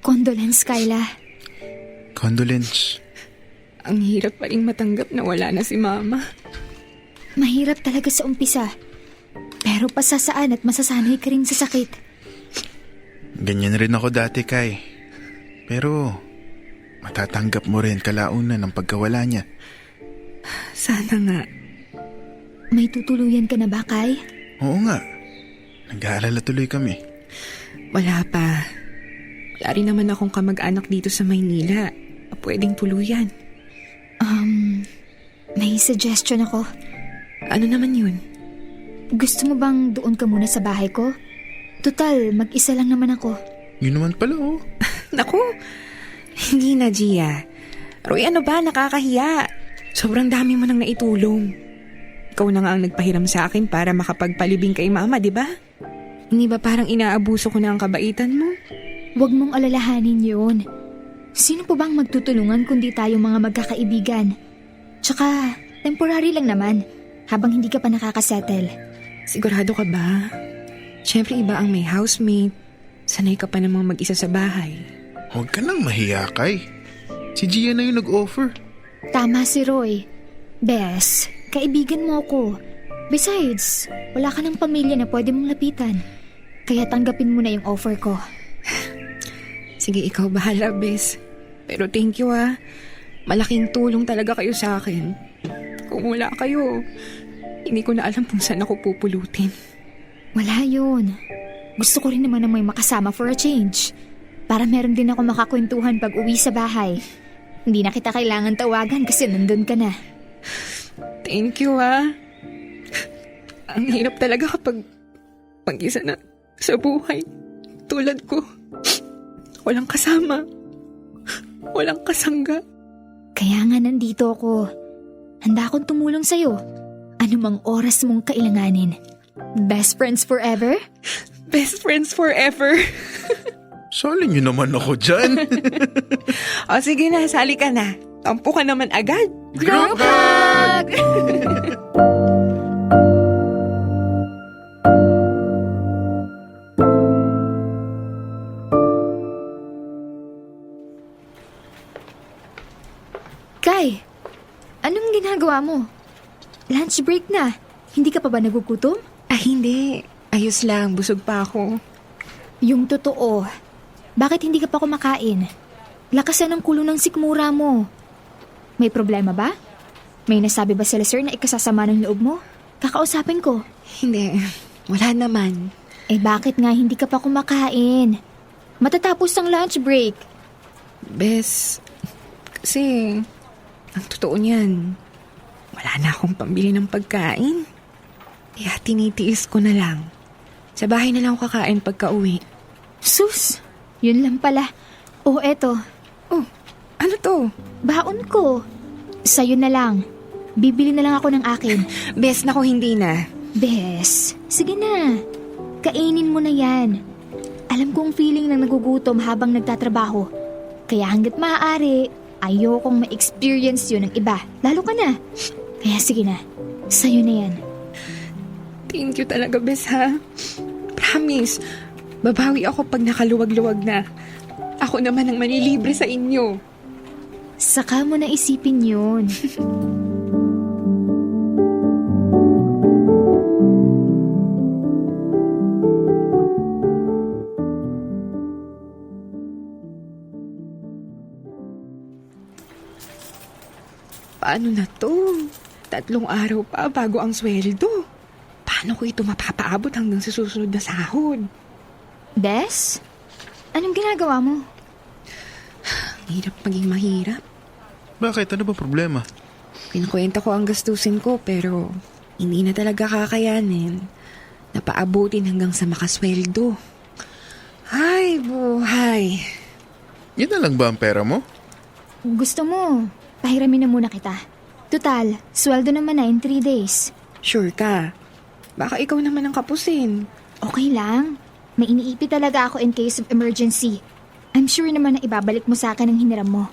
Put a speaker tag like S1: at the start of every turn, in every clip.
S1: Condolence, Kyla.
S2: Condolence.
S3: Ang hirap pa rin matanggap na wala na si Mama.
S1: Mahirap talaga sa umpisa. Pero pasasaan at masasanay ka rin sa sakit.
S2: Ganyan rin ako dati, Kai. Pero matatanggap mo rin kalaunan ng pagkawala niya.
S3: Sana nga.
S1: May tutuluyan ka na ba, Kai?
S2: Oo nga. Nag-aalala tuloy kami.
S3: Wala pa. Wala rin naman akong kamag-anak dito sa Maynila. Pwedeng tuluyan.
S1: May suggestion ako.
S3: Ano naman yun?
S1: Gusto mo bang doon ka muna sa bahay ko? Total, mag-isa lang naman ako.
S2: Yun naman pala, oh.
S3: Naku, hindi na, Gia. Roy, ano ba? Nakakahiya. Sobrang dami mo nang naitulong. Ikaw na nga ang nagpahiram sa akin para makapagpalibing kay Mama, di ba? Hindi ba parang inaabuso ko na ang kabaitan mo?
S1: Huwag mong alalahanin yun. Sino po bang magtutulungan kundi tayo mga magkakaibigan? Tsaka, temporary lang naman, habang hindi ka pa nakakasettle.
S3: Sigurado ka ba? Siyempre iba ang may housemate. Sanay ka pa namang mag-isa sa bahay.
S2: Huwag ka nang mahiya, Kai. Si Gia na yung nag-offer.
S1: Tama si Roy. Bes, kaibigan mo ako. Besides, wala ka ng pamilya na pwede mong lapitan. Kaya tanggapin mo na yung offer ko.
S3: Sige, ikaw bahala, Bes. Pero thank you, ah. Malaking tulong talaga kayo sa akin. Kung wala kayo, hindi ko na alam kung saan ako pupulutin.
S1: Wala yun. Gusto ko rin naman na may makasama for a change. Para meron din ako makakwentuhan pag uwi sa bahay. Hindi na kita kailangan tawagan kasi nandun ka na.
S3: Thank you, ah. Ang hirap talaga kapag mag-isa na sa buhay. Tulad ko. Walang kasama. Walang kasangga.
S1: Kaya nga nandito ako. Handa akong tumulong sa'yo. Anumang oras mong kailanganin. Best friends forever?
S3: Best friends forever.
S2: Sali niyo naman ako dyan.
S3: O sige na, sali ka na. Tampo ka naman agad.
S1: Group hug! Kai, anong ginagawa mo? Lunch break na. Hindi ka pa ba nagugutom?
S3: Ah, hindi. Ayos lang, busog pa ako.
S1: Yung totoo. Bakit hindi ka pa kumakain? Lakasan ang kulo ng sikmura mo. May problema ba? May nasabi ba sila sir na ikasasama ng loob mo? Kakausapin ko.
S3: Hindi, wala naman.
S1: Eh bakit nga hindi ka pa kumakain? Matatapos ang lunch break.
S3: Bes, kasi ang totoo niyan, wala na akong pambili ng pagkain. Kaya tinitiis ko na lang. Sa bahay na lang ako kakain pagka uwi.
S1: Sus, yun lang pala. Oh, eto.
S3: Oh, ano to?
S1: Baon ko. Sa'yo na lang. Bibili na lang ako ng akin.
S3: Bes, naku, hindi na.
S1: Bes, sige na. Kainin mo na yan. Alam kong feeling ng nagugutom habang nagtatrabaho. Kaya hanggat maaari, ayokong ma-experience yun ng iba. Lalo ka na. Kaya sige na. Sa'yo na yan.
S3: Thank you talaga, Bes, ha? Promise, babawi ako pag nakaluwag-luwag na. Ako naman ang manilibre sa inyo.
S1: Saka mo na isipin yun.
S3: Paano na to? 3 araw pa bago ang sweldo. Paano ko ito mapapaabot hanggang sa susunod na sahod?
S1: Bes, anong ginagawa mo?
S3: Hirap maging mahirap.
S2: Bakit? Ano ba problema?
S3: Kinukwenta ko ang gastusin ko pero hindi na talaga kakayanin. Napaabutin hanggang sa makasweldo. Ay, buhay.
S2: Yun na lang ba ang pera mo?
S1: Gusto mo, pahiramin na muna kita. Total, sweldo naman na in 3 days.
S3: Sure ka? Baka ikaw naman ang kapusin.
S1: Okay lang. May iniipi talaga ako in case of emergency. I'm sure naman na ibabalik mo sa akin ang hiniram mo.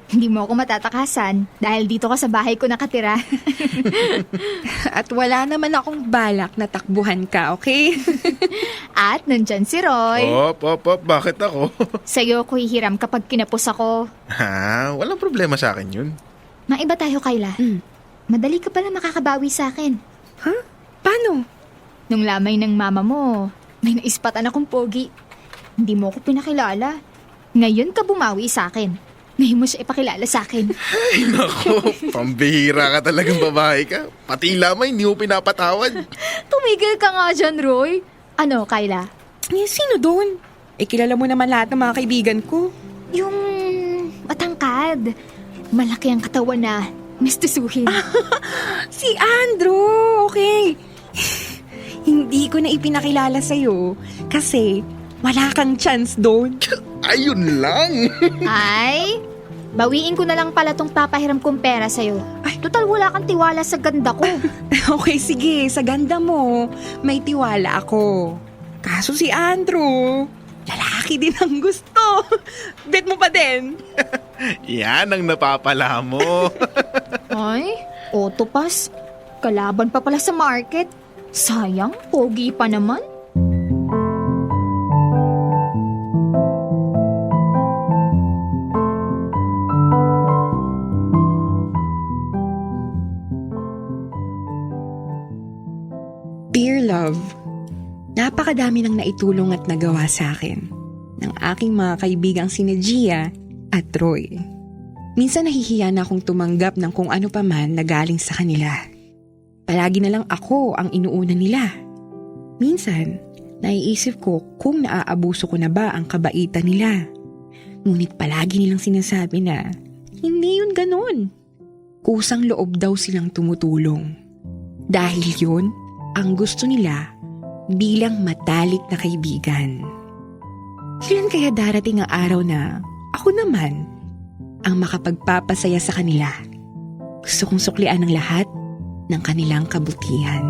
S1: Hindi mo ako matatakasan dahil dito ka sa bahay ko nakatira.
S3: At wala naman akong balak na takbuhan ka, okay?
S1: At nandyan si Roy.
S2: Bakit ako?
S1: Sa'yo ko hihiram kapag kinapos ako.
S2: Ha? Walang problema sa akin yun.
S1: Maiba tayo, Kayla. Madali ka pala makakabawi sa akin.
S3: Ha? Paano?
S1: Nung lamay ng mama mo, may naispatan akong pogi. Hindi mo ako pinakilala. Ngayon ka bumawi sa akin. Ngayon mo siya ipakilala sa akin.
S2: Ay nako, pambihira ka talagang babae ka. Pati lamay, hindi mo pinapatawad.
S1: Tumigil ka nga dyan, Roy. Ano, Kayla?
S3: Sino doon? Kilala mo naman lahat ng mga kaibigan ko.
S1: Yung matangkad. Malaki ang katawan na mistusuhin.
S3: Si Andrew, okay. Hindi ko na ipinakilala sa'yo kasi wala kang chance doon.
S2: Ayun lang.
S1: Ay, bawiin ko na lang pala tong papahiram kong pera sa'yo. Ay, total wala kang tiwala sa ganda ko.
S3: Okay, sige. Sa ganda mo, may tiwala ako. Kaso si Andrew, lalaki din ang gusto. Bet mo pa din.
S2: Yan ang napapala mo.
S1: Ay, autopass. Kalaban pa pala sa market. Sayang, pogi pa naman.
S3: Dear love, napakadami nang naitulong at nagawa sa akin ng aking mga kaibigang sina Gia at Roy. Minsan nahihiya na akong tumanggap ng kung ano pa man na galing sa kanila. Palagi na lang ako ang inuuna nila. Minsan, naiisip ko kung naaabuso ko na ba ang kabaitan nila. Ngunit palagi nilang sinasabi na hindi yun ganon. Kusang loob daw silang tumutulong. Dahil yun, ang gusto nila bilang matalik na kaibigan. Kailan kaya darating ang araw na ako naman ang makapagpapasaya sa kanila? Gusto kong suklian ng lahat ng kanilang kabutihan.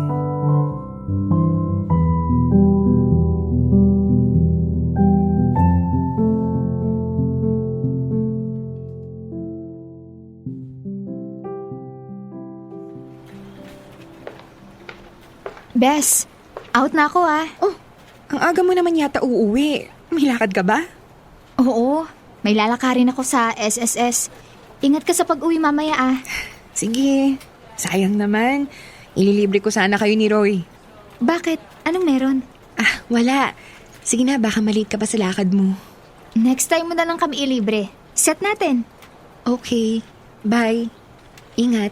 S1: Bes, out na ako ah.
S3: Oh, ang aga mo naman yata uuwi. May lakad ka ba?
S1: Oo, may lalakarin ako sa SSS. Ingat ka sa pag-uwi mamaya ah.
S3: Sige, sayang naman. Ililibre ko sana kayo ni Roy.
S1: Bakit? Anong meron?
S3: Ah, wala. Sige na, baka maliit ka pa sa lakad mo.
S1: Next time mo na lang kami ilibre. Set natin.
S3: Okay, bye. Ingat.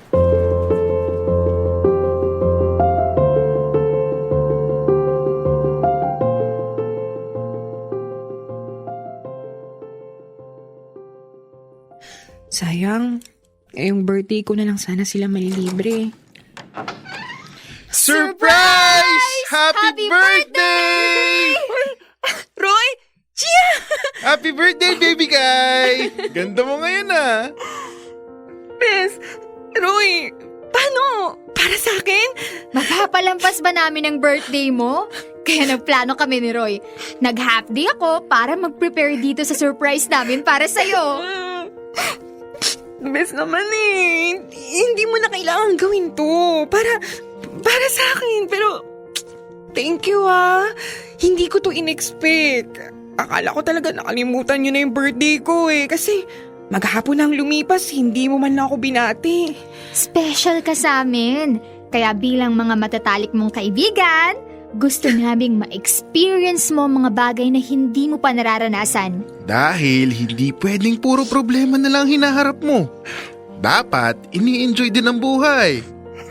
S3: Sayang, ngayong birthday ko na lang sana sila malilibre.
S2: Surprise! Happy birthday!
S3: Roy! Gia!
S2: Happy birthday, baby guy! Ganda mo ngayon ah.
S3: Bes! Roy! Paano? Para sa akin?
S1: Mapapalampas ba namin ang birthday mo? Kaya nagplano kami ni Roy. Nag-half day ako para mag-prepare dito sa surprise namin para sa'yo.
S3: Bes naman eh. Hindi mo na kailangan gawin to. Para sa akin. Pero, thank you ah. Hindi ko to in-expect. Akala ko talaga nakalimutan nyo na yung birthday ko eh. Kasi, maghapon nang lumipas, hindi mo man na ako binati.
S1: Special ka sa amin. Kaya bilang mga matatalik mong kaibigan, gusto naming ma-experience mo mga bagay na hindi mo pa nararanasan.
S2: Dahil hindi pwedeng puro problema na lang hinaharap mo. Dapat ini-enjoy din ang buhay.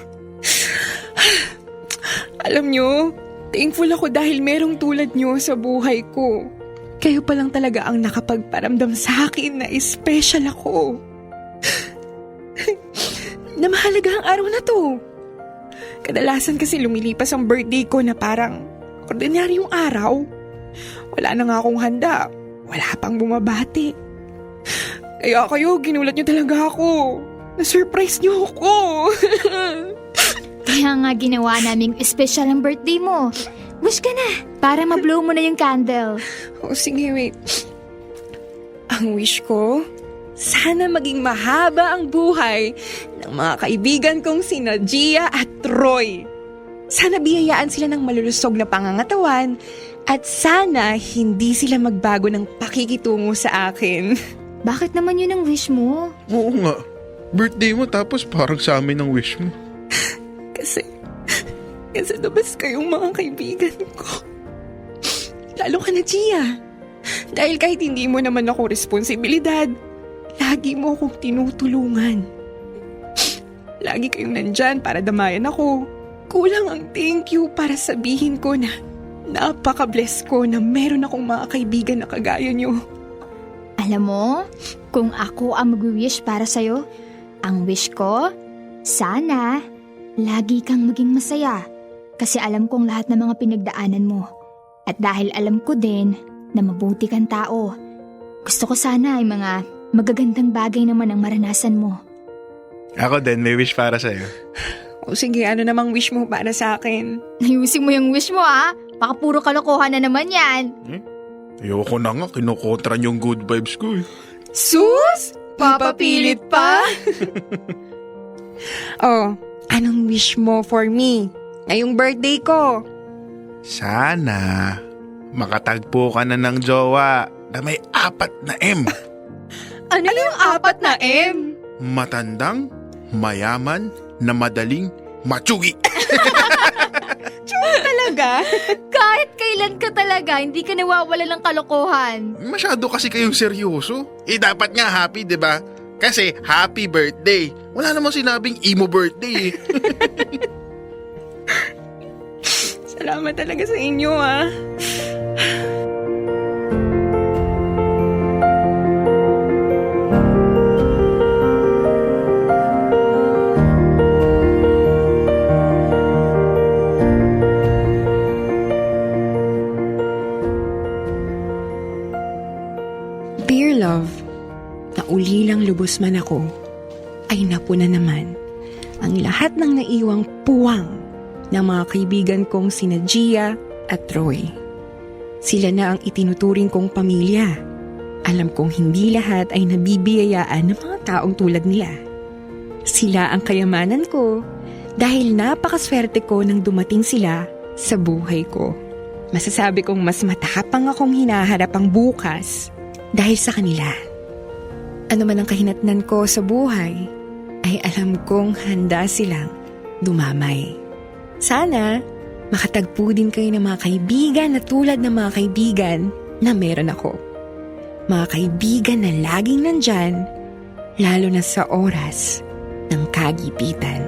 S3: Alam nyo, thankful ako dahil merong tulad nyo sa buhay ko. Kayo pa lang talaga ang nakapagparamdam sa akin na special ako. Na mahalaga ang araw na to. Kadalasan kasi lumilipas ang birthday ko na parang ordinaryong araw. Wala na nga akong handa. Wala pang bumabati. Kaya kayo, ginulat nyo talaga ako. Na-surprise nyo ako.
S1: Kaya nga ginawa naming special ang birthday mo. Wish ka na, para ma-blow mo na yung candle.
S3: Oh, sige, wait. Ang wish ko, sana maging mahaba ang buhay ng mga kaibigan kong sina Gia at Roy. Sana biyayaan sila ng malulusog na pangangatawan at sana hindi sila magbago ng pakikitungo sa akin.
S1: Bakit naman yun ang wish mo?
S2: Oo nga. Birthday mo tapos parang sa amin ang wish mo.
S3: Kasi labas kayong mga kaibigan ko. Lalo ka na, Gia. Dahil kahit hindi mo naman ako responsibilidad, lagi mo akong tinutulungan. Lagi kayong nandyan para damayan ako. Kulang ang thank you para sabihin ko na napaka-bless ko na meron akong mga kaibigan na kagaya nyo.
S1: Alam mo, kung ako ang mag-wish para sa'yo, ang wish ko, sana lagi kang maging masaya. Kasi alam kong lahat ng mga pinagdaanan mo. At dahil alam ko din na mabuti kang tao, gusto ko sana ay mga magagandang bagay naman ang maranasan mo.
S2: Ako din, may wish para sa'yo.
S3: O sige, ano namang wish mo para sa akin?
S1: Ayusin mo yung wish mo ah. Baka puro kalokohan na naman yan.
S2: Ayoko na nga, kinukontra niyo yung good vibes ko eh.
S3: Sus! Papapilit pa? Oh, anong wish mo for me? Ngayong birthday ko.
S2: Sana makatagpo ka na ng jowa na may 4 na M.
S3: Ano yung 4 na M?
S2: Matandang, mayaman, na madaling, matsugi.
S3: Talaga?
S1: Kahit kailan ka talaga, hindi ka nawawala ng kalokohan.
S2: Masyado kasi kayong seryoso. Dapat nga happy, di ba? Kasi happy birthday. Wala namang sinabing emo birthday eh.
S3: Salamat talaga sa inyo ah. Dear love, naulilang lubos man ako, ay napuna naman ang lahat ng naiwang puwang ng mga kaibigan kong sina Gia at Roy. Sila na ang itinuturing kong pamilya. Alam kong hindi lahat ay nabibiyayaan ng mga taong tulad nila. Sila ang kayamanan ko dahil napakaswerte ko nang dumating sila sa buhay ko. Masasabi kong mas matapang akong hinaharap ang bukas dahil sa kanila. Ano man ang kahinatnan ko sa buhay, ay alam kong handa silang dumamay. Sana, makatagpo din kayo ng mga kaibigan na tulad ng mga kaibigan na meron ako. Mga kaibigan na laging nandyan, lalo na sa oras ng kagipitan.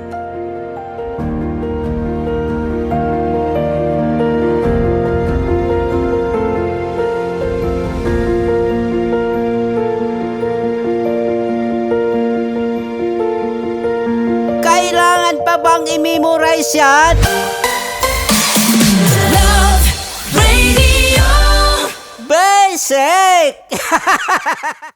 S4: Kailangan pa bang i-memorize yan?
S5: Love Radio.
S4: Basic!